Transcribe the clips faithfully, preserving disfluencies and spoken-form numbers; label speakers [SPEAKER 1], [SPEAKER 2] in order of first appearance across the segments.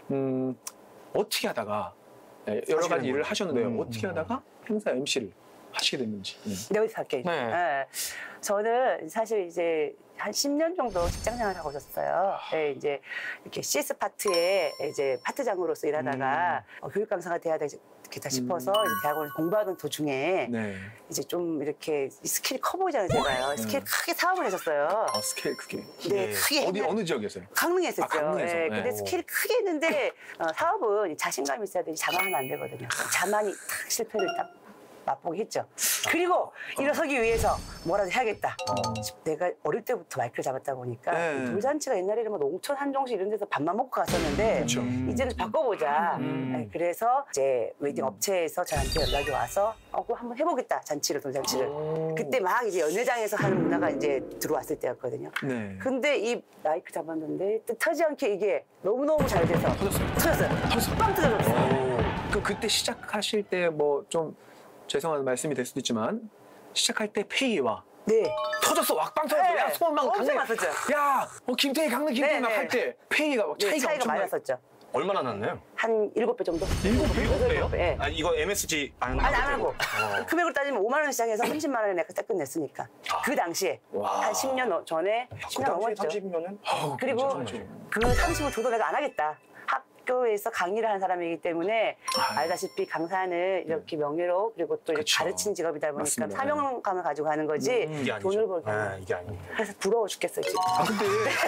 [SPEAKER 1] 음, 어떻게 하다가 여러 가지 일을 하셨는데요.
[SPEAKER 2] 음,
[SPEAKER 1] 어떻게
[SPEAKER 2] 음.
[SPEAKER 1] 하다가 행사 엠씨를 하시게 됐는지. 네.
[SPEAKER 3] 여기서 할게요.
[SPEAKER 2] 네.
[SPEAKER 3] 네. 저는 사실 이제 한 십 년 정도 직장생활을 하고 있었어요. 네, 이제 이렇게 씨에스 파트에 이제 파트장으로서 일하다가
[SPEAKER 1] 음.
[SPEAKER 3] 어, 교육 강사가 돼야 되겠다 싶어서
[SPEAKER 1] 음.
[SPEAKER 3] 이제 대학원을 공부하던 도중에
[SPEAKER 1] 네.
[SPEAKER 3] 이제 좀 이렇게 스킬이 커 보이잖아요, 제가요.
[SPEAKER 1] 네.
[SPEAKER 3] 스킬 크게 사업을 했었어요.
[SPEAKER 1] 아, 스케일 크게.
[SPEAKER 3] 네,
[SPEAKER 2] 예.
[SPEAKER 3] 크게.
[SPEAKER 1] 어디
[SPEAKER 3] 했는데
[SPEAKER 1] 어느 지역에서요?
[SPEAKER 3] 강릉에 했었죠.
[SPEAKER 1] 아, 강릉에서.
[SPEAKER 3] 네,
[SPEAKER 1] 네.
[SPEAKER 3] 근데 스킬이 크게 했는데 어, 사업은 자신감이 있어야 되지 자만하면 안 되거든요. 자만이 탁 실패를 딱 맛보게 했죠. 그리고 일어서기 위해서 뭐라도 해야겠다.
[SPEAKER 1] 어.
[SPEAKER 3] 내가 어릴 때부터 마이크를 잡았다 보니까
[SPEAKER 1] 네.
[SPEAKER 3] 돌잔치가 옛날에는 뭐 농촌 한정식 이런 데서 밥만 먹고 갔었는데
[SPEAKER 1] 그렇죠.
[SPEAKER 3] 이제는 바꿔보자.
[SPEAKER 1] 음.
[SPEAKER 3] 네, 그래서 이제 웨딩 업체에서 저한테 연락이 와서 어, 그거 한번 해보겠다. 잔치를 돌잔치를.
[SPEAKER 1] 오.
[SPEAKER 3] 그때 막 이제 연회장에서 하는 문화가 이제 들어왔을 때였거든요.
[SPEAKER 1] 네.
[SPEAKER 3] 근데 이 마이크 잡았는데 뜻하지 않게 이게 너무너무 잘 돼서
[SPEAKER 1] 터졌어요.
[SPEAKER 3] 터졌어요.
[SPEAKER 1] 터졌어요.
[SPEAKER 3] 빵 터졌어요.
[SPEAKER 1] 그 그때 시작하실 때 뭐 좀 죄송한 말씀이 될 수도 있지만 시작할 때 페이와
[SPEAKER 3] 네.
[SPEAKER 1] 터졌어 왁빵 터졌어.
[SPEAKER 3] 네.
[SPEAKER 1] 야 소문 막
[SPEAKER 3] 엄청
[SPEAKER 1] 강릉.
[SPEAKER 3] 났었죠.
[SPEAKER 1] 야, 어 김태희 강릉 김태희
[SPEAKER 3] 네,
[SPEAKER 1] 막
[SPEAKER 3] 네.
[SPEAKER 1] 할 때 페이가 막
[SPEAKER 3] 네,
[SPEAKER 1] 차이가,
[SPEAKER 3] 차이가 많이
[SPEAKER 1] 엄청나-
[SPEAKER 3] 났었죠.
[SPEAKER 2] 얼마나 났나요?
[SPEAKER 3] 한 일곱 배 정도?
[SPEAKER 1] 일곱 배?
[SPEAKER 3] 여덟
[SPEAKER 2] 배요?
[SPEAKER 3] 배, 예.
[SPEAKER 2] 아 이거 엠에스지 안
[SPEAKER 3] 아니, 안 하고.
[SPEAKER 2] 어.
[SPEAKER 3] 금액으로 따지면 오만 원 시작해서 삼십만 원에 내가 딱 끝냈으니까. 그 당시에.
[SPEAKER 1] 와.
[SPEAKER 3] 한 십 년 전에. 십 년 넘었죠.
[SPEAKER 2] 삼십이면은
[SPEAKER 1] 아우,
[SPEAKER 3] 그리고
[SPEAKER 1] 괜찮죠.
[SPEAKER 3] 그 삼십을 줘도 내가 안 하겠다. 학교에서 강의를 하는 사람이기 때문에
[SPEAKER 1] 아.
[SPEAKER 3] 알다시피 강사는 이렇게 명예로 그리고 또 이렇게
[SPEAKER 1] 그쵸.
[SPEAKER 3] 가르치는 직업이다 보니까
[SPEAKER 1] 맞습니다.
[SPEAKER 3] 사명감을 가지고 하는 거지
[SPEAKER 1] 음,
[SPEAKER 2] 이게 아니죠.
[SPEAKER 3] 돈을 벌기.
[SPEAKER 2] 아, 이게 아닙니다.
[SPEAKER 3] 그래서 부러워 죽겠어요 지금.
[SPEAKER 1] 아 근데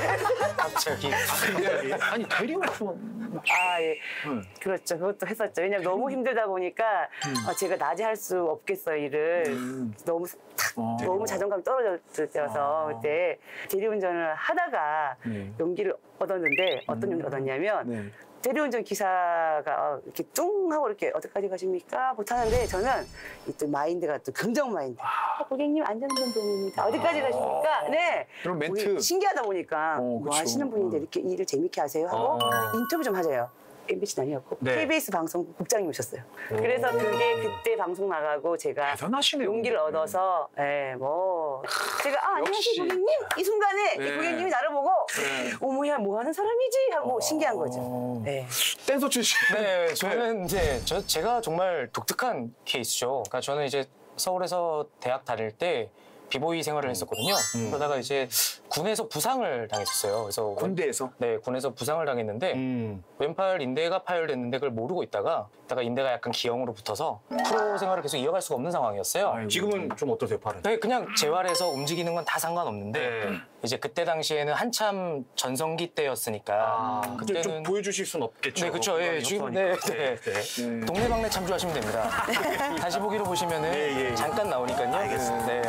[SPEAKER 2] 갑자기.
[SPEAKER 1] 근데 아니 대리운전
[SPEAKER 3] 아 예.
[SPEAKER 1] 음.
[SPEAKER 3] 그렇죠. 그것도 했었죠. 왜냐면 너무 힘들다 보니까 어, 제가 낮에 할 수 없겠어요 일을.
[SPEAKER 1] 음.
[SPEAKER 3] 너무 탁
[SPEAKER 1] 어.
[SPEAKER 3] 너무 자존감이 떨어졌을 때여서
[SPEAKER 1] 아.
[SPEAKER 3] 그때 대리운전을 하다가
[SPEAKER 1] 네.
[SPEAKER 3] 용기를 얻었는데 어떤
[SPEAKER 1] 음.
[SPEAKER 3] 용기를 얻었냐면
[SPEAKER 1] 네.
[SPEAKER 3] 대리운전 기사가 어, 이렇게 뚱 하고 이렇게 어디까지 가십니까? 못하는데 저는 이 또 마인드가 또 긍정 마인드. 어, 고객님 안전운전입니다. 어디까지 가십니까? 네.
[SPEAKER 1] 그럼 멘트.
[SPEAKER 3] 우리 신기하다 보니까
[SPEAKER 1] 어,
[SPEAKER 3] 뭐
[SPEAKER 1] 그쵸.
[SPEAKER 3] 하시는 분인데 이렇게 일을 재밌게 하세요 하고
[SPEAKER 2] 어.
[SPEAKER 3] 인터뷰 좀 하자요. 엠비씨는 아니었고
[SPEAKER 2] 네.
[SPEAKER 3] 케이비에스 방송 국장님 오셨어요. 그래서 그게 그때 방송 나가고 제가
[SPEAKER 1] 대단하시네요.
[SPEAKER 3] 용기를 얻어서 예, 뭐 제가 아 안녕하세요
[SPEAKER 1] 역시.
[SPEAKER 3] 고객님 이 순간에
[SPEAKER 1] 네.
[SPEAKER 3] 이 고객님이 나를 보고
[SPEAKER 1] 네.
[SPEAKER 3] 어머야 뭐 하는 사람이지 하고 신기한 거죠.
[SPEAKER 1] 어.
[SPEAKER 3] 네.
[SPEAKER 1] 댄서 출신.
[SPEAKER 2] 네, 저는 이제 저 제가 정말 독특한 케이스죠. 그러니까 저는 이제 서울에서 대학 다닐 때 비보이 생활을 했었거든요.
[SPEAKER 1] 음.
[SPEAKER 2] 그러다가 이제 군에서 부상을 당했었어요. 그래서
[SPEAKER 1] 군대에서.
[SPEAKER 2] 네, 군에서 부상을 당했는데
[SPEAKER 1] 음.
[SPEAKER 2] 왼팔 인대가 파열됐는데 그걸 모르고 있다가 있다가 인대가 약간 기형으로 붙어서 프로 생활을 계속 이어갈 수가 없는 상황이었어요.
[SPEAKER 1] 아이고.
[SPEAKER 2] 지금은 좀 어떠세요, 팔은? 네, 그냥 재활해서 움직이는 건 다 상관없는데
[SPEAKER 1] 네.
[SPEAKER 2] 이제 그때 당시에는 한참 전성기 때였으니까
[SPEAKER 1] 아,
[SPEAKER 2] 그때는
[SPEAKER 4] 좀 보여주실 순 없겠죠.
[SPEAKER 2] 네, 그렇죠. 예, 지금 네, 네.
[SPEAKER 1] 네.
[SPEAKER 2] 동네방네 참조하시면 됩니다. 다시 보기로 보시면은
[SPEAKER 4] 예, 예, 예.
[SPEAKER 2] 잠깐 나오니까요.
[SPEAKER 4] 알겠습니다.
[SPEAKER 2] 네.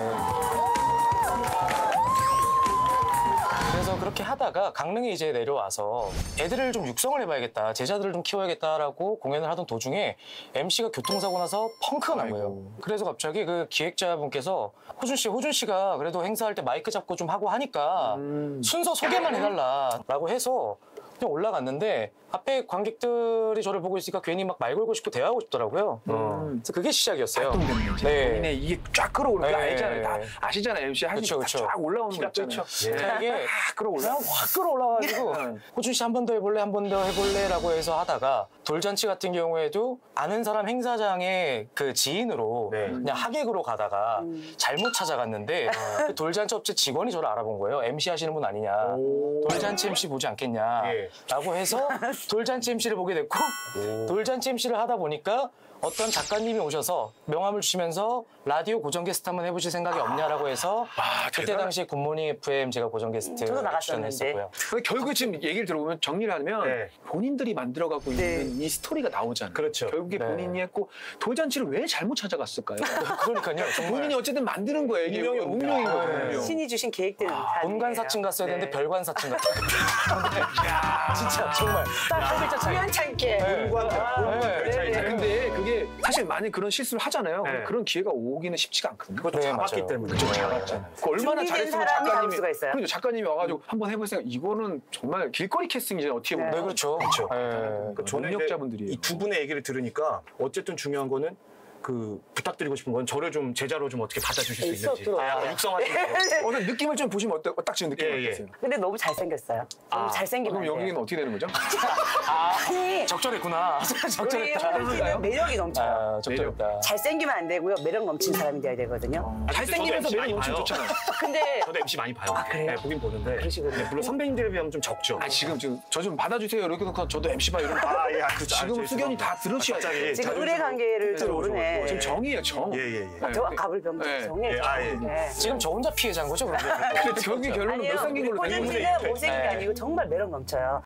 [SPEAKER 2] 그래서 그렇게 하다가 강릉에 이제 내려와서 애들을 좀 육성을 해봐야겠다, 제자들을 좀 키워야겠다라고 공연을 하던 도중에 엠씨가 교통사고 나서 펑크가 난 거예요.
[SPEAKER 1] 아이고.
[SPEAKER 2] 그래서 갑자기 그 기획자분께서 호준 씨, 호준 씨가 그래도 행사할 때 마이크 잡고 좀 하고 하니까
[SPEAKER 1] 음.
[SPEAKER 2] 순서 소개만 해달라라고 해서 그냥 올라갔는데 앞에 관객들이 저를 보고 있으니까 괜히 막 말 걸고 싶고 대화하고 싶더라고요.
[SPEAKER 1] 음.
[SPEAKER 2] 그래서 그게 시작이었어요.
[SPEAKER 1] 활동되는 거지.
[SPEAKER 2] 네.
[SPEAKER 1] 본인의 이게 쫙 끌어오는 거
[SPEAKER 2] 네.
[SPEAKER 1] 알잖아요. 다 아시잖아요. 엠씨 하시니까
[SPEAKER 2] 그쵸, 그쵸.
[SPEAKER 1] 쫙 올라오는 거 있잖아요.
[SPEAKER 2] 자, 이게
[SPEAKER 1] 쫙 끌어올라.
[SPEAKER 2] 확 끌어올라가지고
[SPEAKER 1] 네.
[SPEAKER 2] 호준 씨 한 번 더 해볼래, 한 번 더 해볼래라고 해서 하다가 돌잔치 같은 경우에도 아는 사람 행사장의 그 지인으로
[SPEAKER 4] 네.
[SPEAKER 2] 그냥 하객으로 가다가
[SPEAKER 3] 음.
[SPEAKER 2] 잘못 찾아갔는데 그 돌잔치 업체 직원이 저를 알아본 거예요. 엠씨 하시는 분 아니냐.
[SPEAKER 4] 오.
[SPEAKER 2] 돌잔치 엠씨 보지 않겠냐.
[SPEAKER 4] 예.
[SPEAKER 2] 라고 해서 돌잔치 엠씨를 보게 됐고 돌잔치 엠씨를 하다 보니까 어떤 작가님이 오셔서 명함을 주시면서 라디오 고정 게스트 한번 해보실 생각이 없냐라고 해서
[SPEAKER 1] 아,
[SPEAKER 2] 그때
[SPEAKER 1] 대단하-
[SPEAKER 2] 당시에 굿모닝 에프엠 제가 고정 게스트
[SPEAKER 3] 저도 나갔었는데.
[SPEAKER 2] 출연했었고요.
[SPEAKER 1] 근데 결국에 지금 얘기를 들어보면 정리를 하면
[SPEAKER 4] 네.
[SPEAKER 1] 본인들이 만들어가고
[SPEAKER 3] 네.
[SPEAKER 1] 있는 이 스토리가 나오잖아요.
[SPEAKER 4] 그렇죠.
[SPEAKER 1] 결국에
[SPEAKER 2] 네.
[SPEAKER 1] 본인이 했고 돌잔치를 왜 잘못 찾아갔을까요?
[SPEAKER 2] 그러니까요. 정말
[SPEAKER 1] 본인이 어쨌든 만드는 거예요. 이게
[SPEAKER 4] 운명이
[SPEAKER 1] 운명인
[SPEAKER 4] 운명.
[SPEAKER 1] 거거든요.
[SPEAKER 3] 신이 주신 계획대로
[SPEAKER 2] 본관사층 갔어야
[SPEAKER 3] 네.
[SPEAKER 2] 되는데 별관사층 같아요. 진짜 정말 딱 한 글자 차이.
[SPEAKER 3] 우연찮게.
[SPEAKER 2] 네. 네.
[SPEAKER 3] 네, 네.
[SPEAKER 1] 근데 그게 사실 많이 그런 실수를 하잖아요.
[SPEAKER 4] 네.
[SPEAKER 1] 그런 기회가 오기는 쉽지가 않거든요.
[SPEAKER 4] 그것도
[SPEAKER 2] 네,
[SPEAKER 4] 잡았기
[SPEAKER 2] 맞아요.
[SPEAKER 4] 때문에.
[SPEAKER 1] 그쵸, 잡았잖아요. 그 얼마나
[SPEAKER 3] 준비된
[SPEAKER 1] 잘했으면
[SPEAKER 3] 사람이 잡을
[SPEAKER 1] 작가님이
[SPEAKER 3] 수가 있어요.
[SPEAKER 1] 그렇죠. 작가님이 와가지고 한번 해볼 생각. 이거는 정말 길거리 캐스팅이잖아요. 어떻게 보면.
[SPEAKER 2] 네, 그렇죠.
[SPEAKER 4] 그렇죠.
[SPEAKER 2] 네.
[SPEAKER 4] 그러니까 저는 이제
[SPEAKER 1] 능력자분들이에요.
[SPEAKER 4] 이 두 분의 얘기를 들으니까 어쨌든 중요한 거는 그 부탁드리고 싶은 건 저를 좀 제자로 좀 어떻게 받아주실 수
[SPEAKER 3] 있어,
[SPEAKER 4] 있는지.
[SPEAKER 3] 들어와.
[SPEAKER 4] 아, 육성하시는 거.
[SPEAKER 1] 오늘 느낌을 좀 보시면 어떠, 딱 지금 느낌이
[SPEAKER 4] 예, 예.
[SPEAKER 1] 어떠세요?
[SPEAKER 3] 근데 너무 잘생겼어요. 너무
[SPEAKER 4] 아,
[SPEAKER 3] 잘생기면
[SPEAKER 1] 그럼
[SPEAKER 3] 안 돼요.
[SPEAKER 1] 여기는 어떻게 되는 거죠?
[SPEAKER 3] 아니,
[SPEAKER 2] 적절했구나.
[SPEAKER 3] 우리
[SPEAKER 2] 적절했다.
[SPEAKER 3] 홀씨는 매력이 넘쳐요.
[SPEAKER 2] 아, 적절했다.
[SPEAKER 3] 잘생기면 안 되고요. 매력 넘치는 사람이 돼야 되거든요.
[SPEAKER 4] 아,
[SPEAKER 1] 잘생기면서
[SPEAKER 4] 저도
[SPEAKER 1] 매력
[SPEAKER 4] 엠씨
[SPEAKER 1] 엄청
[SPEAKER 4] 많이
[SPEAKER 1] 좋잖아요.
[SPEAKER 3] 근데
[SPEAKER 4] 저도 엠씨 많이 봐요.
[SPEAKER 3] 아, 그래요?
[SPEAKER 4] 네, 보긴 보는데.
[SPEAKER 3] 그러시군요.
[SPEAKER 4] 네, 물론 선배님들에 비하면 좀 적죠.
[SPEAKER 1] 아 지금 지금 저 좀 받아주세요 이렇게 놓고 저도 엠씨 봐 이러면
[SPEAKER 4] 아, 예, 아, 그,
[SPEAKER 1] 지금 수견이 다 들으셔야 돼요.
[SPEAKER 3] 지금 의뢰 관계를 좀 모르네.
[SPEAKER 1] 지금 정이에요 정.
[SPEAKER 4] 예, 예, 예.
[SPEAKER 1] 네.
[SPEAKER 3] 저와 갑을 병
[SPEAKER 1] 네.
[SPEAKER 3] 정해.
[SPEAKER 4] 예, 아, 예.
[SPEAKER 3] 네.
[SPEAKER 2] 지금 저 혼자 피해자인 거죠? 그런데.
[SPEAKER 1] 근데 결국 결론은
[SPEAKER 3] 아니요,
[SPEAKER 1] 못생긴 걸로
[SPEAKER 3] 우리
[SPEAKER 1] 되는
[SPEAKER 3] 꼴
[SPEAKER 1] 건데.
[SPEAKER 3] 씨는 못생긴 게
[SPEAKER 2] 네.
[SPEAKER 3] 아니고 정말 매력 넘쳐요.